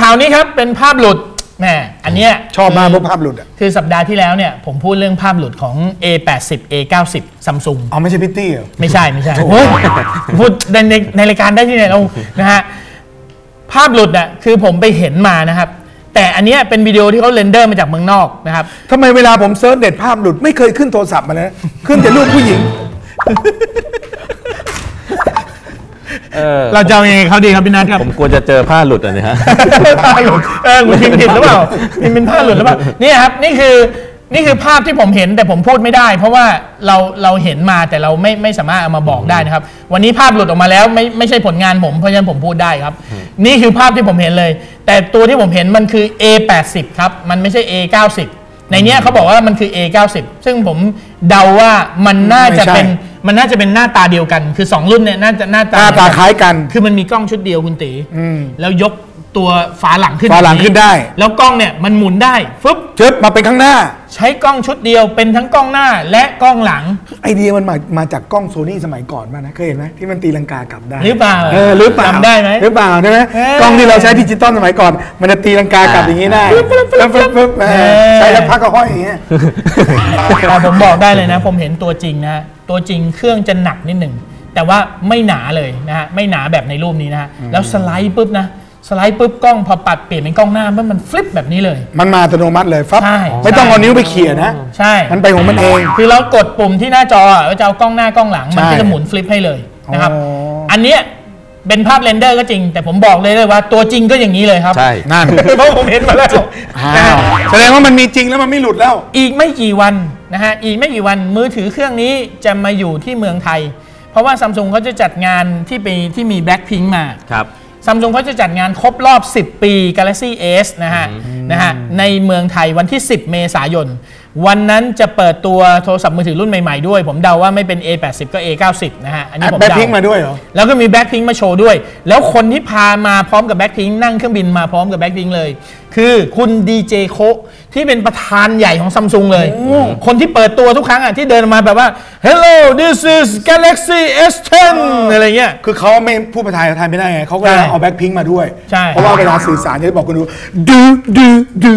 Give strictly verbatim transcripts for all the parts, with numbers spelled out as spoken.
ข่าวนี้ครับเป็นภาพหลุดแหมอันเนี้ยชอบมากเพราะภาพหลุดอ่ะคือสัปดาห์ที่แล้วเนี่ยผมพูดเรื่องภาพหลุดของ เอ แปดสิบ เอ เก้าสิบ Samsung อ๋อไม่ใช่พิตตี้เหรอไม่ใช่ไม่ใช่โอ้ยพูดในในในรายการได้ที่ไหนเรานะฮะภาพหลุดอ่ะคือผมไปเห็นมานะครับแต่อันนี้เป็นวิดีโอที่เขาเรนเดอร์มาจากเมืองนอกนะครับทำไมเวลาผมเซิร์ชเน็ตภาพหลุดไม่เคยขึ้นโทรศัพท์มานะขึ้นแต่รูปผู้หญิงเราจะเอายังไงเขาดีครับพี่นัทครับผมกลัวจะเจอผ้าหลุดอ่ะเนี่ยฮะผ้าหลุดเออคุณพิมพ์ผิดหรือเปล่าพิมพ์เป็นผ้าหลุดหรือเปล่านี่ครับนี่คือนี่คือภาพที่ผมเห็นแต่ผมพูดไม่ได้เพราะว่าเราเราเห็นมาแต่เราไม่ไม่สามารถเอามาบอกได้นะครับวันนี้ภาพหลุดออกมาแล้วไม่ไม่ใช่ผลงานผมเพราะฉะนั้นผมพูดได้ครับนี่คือภาพที่ผมเห็นเลยแต่ตัวที่ผมเห็นมันคือ เอ แปดสิบ ครับมันไม่ใช่ เอ เก้าสิบ ในเนี้ยเขาบอกว่ามันคือ เอ เก้าสิบ ซึ่งผมเดาว่ามันน่าจะเป็นมันน่าจะเป็นหน้าตาเดียวกันคือสองรุ่นเนี่ยน่าจะหน้าตาหน้าตาคล้ายกันคือมันมีกล้องชุดเดียวคุณตีแล้วยกตัวฝาหลังขึ้นฝาหลังขึ้นได้แล้วกล้องเนี่ยมันหมุนได้ฟึบเชิดมาเป็นข้างหน้าใช้กล้องชุดเดียวเป็นทั้งกล้องหน้าและกล้องหลังไอเดียมันมามาจากกล้องโซนี่สมัยก่อนมานะเคยเห็นไหมที่มันตีลังกากลับได้หรือเปล่าเออหรือเปล่าจำได้ไหมหรือเปล่าใช่ไหมกล้องที่เราใช้ดิจิตอลสมัยก่อนมันจะตีลังกากลับอย่างนี้ได้แล้วฟึบใช้แล้วพักก็ห้อยอย่างเงี้ยผมบอกได้เลยนะผมเห็นตัวจริงนะตัวจริงเครื่องจะหนักนิดหนึ่งแต่ว่าไม่หนาเลยนะฮะไม่หนาแบบในรูปนี้นะฮะแล้วสไลด์ปุ๊บนะสไลด์ปุ๊บกล้องพอปัดเปลี่ยนเป็นกล้องหน้ามันมันฟลิปแบบนี้เลยมันมาอัตโนมัติเลยฟับใช่ไม่ต้องเอานิ้วไปเขี่ยนะใช่มันไปของมันเองคือเรากดปุ่มที่หน้าจอว่าจะเอากล้องหน้ากล้องหลังมันก็จะหมุนฟลิปให้เลยนะครับอันเนี้ยเป็นภาพเรนเดอร์ก็จริงแต่ผมบอกเลยเลยว่าตัวจริงก็อย่างนี้เลยครับใช่นั่นเพราะผมเห็นมาแล้วแสดงว่ามันมีจริงแล้วมันไม่หลุดแล้วอีกไม่กี่วันนะฮะอีกไม่กี่วันมือถือเครื่องนี้จะมาอยู่ที่เมืองไทยเพราะว่า Samsung เขาจะจัดงานที่ไปที่มี Blackpink มาครับ Samsung เขาจะจัดงานครบรอบสิบปี Galaxy S นะฮะนะฮะในเมืองไทยวันที่สิบเมษายนวันนั้นจะเปิดตัวโทรศัพท์มือถือรุ่นใหม่ๆด้วยผมเดาว่าไม่เป็น เอ แปดสิบ ก็ เอ เก้าสิบ นะฮะอันนี้ผมเดา Blackpink มาด้วยเหรอแล้วก็มี Blackpink มาโชว์ด้วยแล้วคนที่พามาพร้อมกับ Blackpink นั่งเครื่องบินมาพร้อมกับ Blackpink เลยคือคุณดีเจโคที่เป็นประธานใหญ่ของ Samsung เลยคนที่เปิดตัวทุกครั้งอ่ะที่เดินมาแบบว่า Hello this is Galaxy เอส สิบ อะไรเงี้ยคือเขาไม่พูดภาษาไทยไม่ได้ไงเขาก็เอา Blackpink มาด้วยใช่เพราะว่าเวลาสื่อสารจะบอกคนดูดูดูดู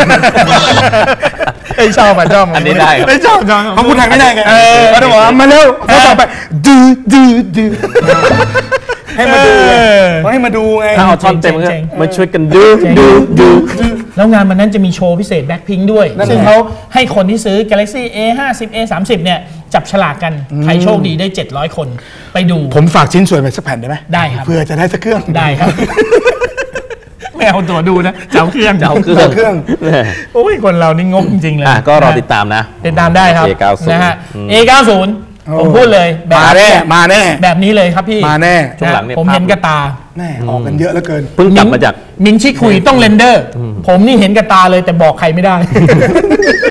ไอ้ชอบอ่ะชอบอันนี้ได้ไม่ชอบเขาพูดไทยไม่ได้ไงเขาต้องบอกมาเร็วเขาต่อไปดูดูดูให้มาดูให้มาดูไงถ้าเอาท่อนเต็มก็มาช่วยกันดูดูดูแล้วงานมันนั้นจะมีโชว์พิเศษ Blackpink ด้วยซึ่งเขาให้คนที่ซื้อ Galaxy เอ ห้าสิบ เอ สามสิบ เนี่ยจับฉลากกันใครโชคดีได้เจ็ดร้อยคนไปดูผมฝากชิ้นส่วนไปสักแผ่นได้ไหมได้ครับเพื่อจะได้สักเครื่องได้ครับไม่เอาตัวดูนะเจ้าเครื่องเจ้าเครื่องเครื่องโอ้ยคนเรานี่งกจริงๆเลยก็รอติดตามนะติดตามได้ครับเอ เก้าสิบนะฮะ เอ เก้าสิบ ผมพูดเลยมาแน่มาแน่แบบนี้เลยครับพี่มาแน่ช่วงหลังเนี่ยผมเห็นกระตาแน่ออกกันเยอะเหลือเกินเพิ่งกลับมาจากมินชิคุยต้องเรนเดอร์ผมนี่เห็นกระตาเลยแต่บอกใครไม่ได้